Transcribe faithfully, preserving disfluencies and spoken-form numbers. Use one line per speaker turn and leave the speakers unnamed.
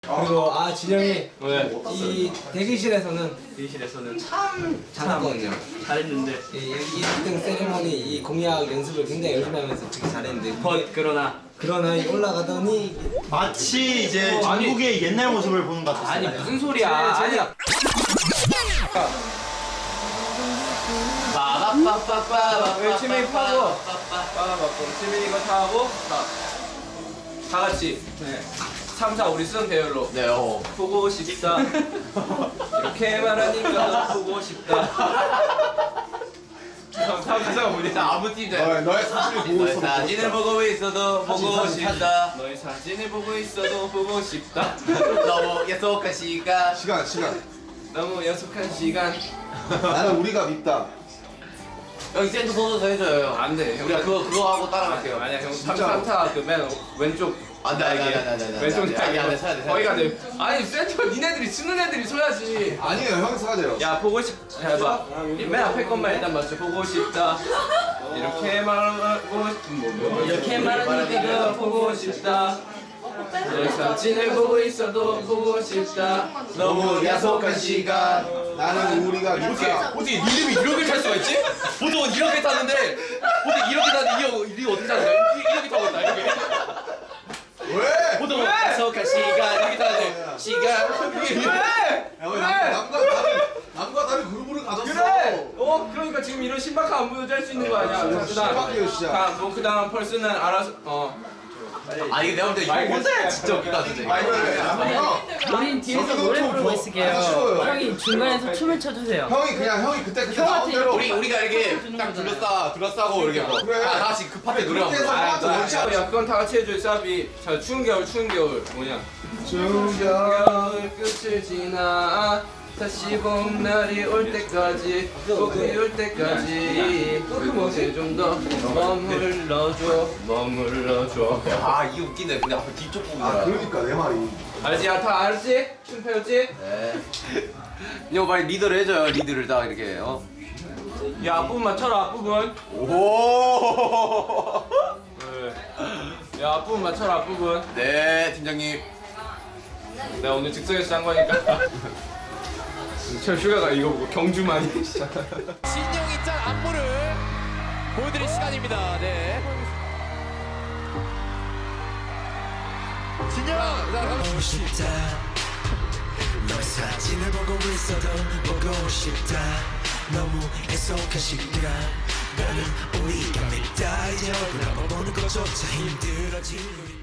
그리고 아 진영이
왜?
이 대기실에서는
대기실에서는 참
잘하거든요.
잘했는데
이 일 등 세리머니 이 공약 연습을 굉장히 열심히 하면서 되게 잘했는데
컷 그러나
그러나 이 올라가더니
마치 이제
어, 아니.
전국의 옛날 모습을 보는 것 같았어요.
아니 무슨 소리야? 아니야. 열심히 파고 빠바바밤 지민 이거 다 하고 다, 다 같이 네. 삼, 사 우리 쓰는 배열로
네, 어.
보고 싶다 이렇게 말하니까 보고 싶다 다음 가사가 뭐지?
아무 팀
너의, 너의 사진을 보고
너의
있어도
사진을 보고 있어도 보고
사진,
싶다.
너의 사진을 보고 있어도 보고 싶다
너무 약속한 시간.
시간 시간
너무 약속한 시간
나는 우리가 밉다.
여기 센터 소도 해줘요. 형.
안돼 형
우리가 그거 그거 하고 따라갈게요.
아니야 형
진짜.
삼타 그 맨 왼쪽
안돼 안돼 안돼 안돼 안돼.
왼쪽
안돼 안돼 서야 돼.
거기가 돼 아니 센터 니네들이 쓰는 애들이 서야지
아니에요 형이 사야 돼요.
야 보고 싶 해봐 맨 앞에 것만 일단 맞춰 보고 싶다 이렇게 말하고 싶 이렇게 말하니까 보고 싶다 너의 사진을 보고 있어도 보고 싶다
너무 약속한 시간.
나는 우리가 밉다.
어떻게 이름이 이렇게 탈 수가 있지? 보통은 이렇게 타는데 어떻게 이렇게 타는데 이게 이게 어떻게 타는 거야? 이- 이렇게 타고 있다 이렇게.
왜?
보통은 약속한 시간 이렇게 타는데 시간 이게
왜?
야, 왜 남, 남과 다른 남과 다른 그룹을 가졌어.
그래! 어 그러니까 지금 이런 신박한 안무도 할 수 있는 거 아니야 자,
신박해요, 진짜.
그 다음 펄스는 알아서 어
아 이게 내가 볼 때 이거 혼자 진짜 웃기다 진짜.
아니 그래. 형,
우린 뒤에서
저기도
노래
좀
부르고
더
있을게요.
아쉬워요.
형이 중간에서 춤을 춰주세요.
형이 그냥 형이 그때 그때
형한테
나온 대로
우리 우리가 이렇게 딱 둘러싸 둘러싸고 이렇게 뭐
그래.
다 같이 그 파트에 노래하고.
그렇게 해서
아,
형한테
나-
원샷.
야 그건 다 같이 해줘 사비 자 추운 겨울 추운 겨울 뭐냐
중겨.
겨울 끝을 지나 다시 봄날이 올 때까지 봄이 올 때까지 그곳에 좀 더 머물러줘 머물러줘
아 이게 웃기네. 근데 앞에 뒤쪽 부분이라.
아 그러니까 내 말이.
알지? 야, 다 알지? 춤 배웠지?
네. 이거 빨리 리더를 해줘요. 리드를 딱 이렇게. 어.
야 앞부분 맞춰라 앞부분
오.
네. 야 앞부분 맞춰라 앞부분
네 팀장님.
내가 오늘 즉석에서 짠 거니까 저 슈가가 이거 보고 경주만
신영이 짠 안무를 보여드릴 시간입니다. 네. 진영.
보고 싶다 너의 사진을 보고 있어도 보고 싶다 너무 애석한 시간 나는 우리가 밉다 이제 얼굴 한번 보는 것조차 힘들어진 우리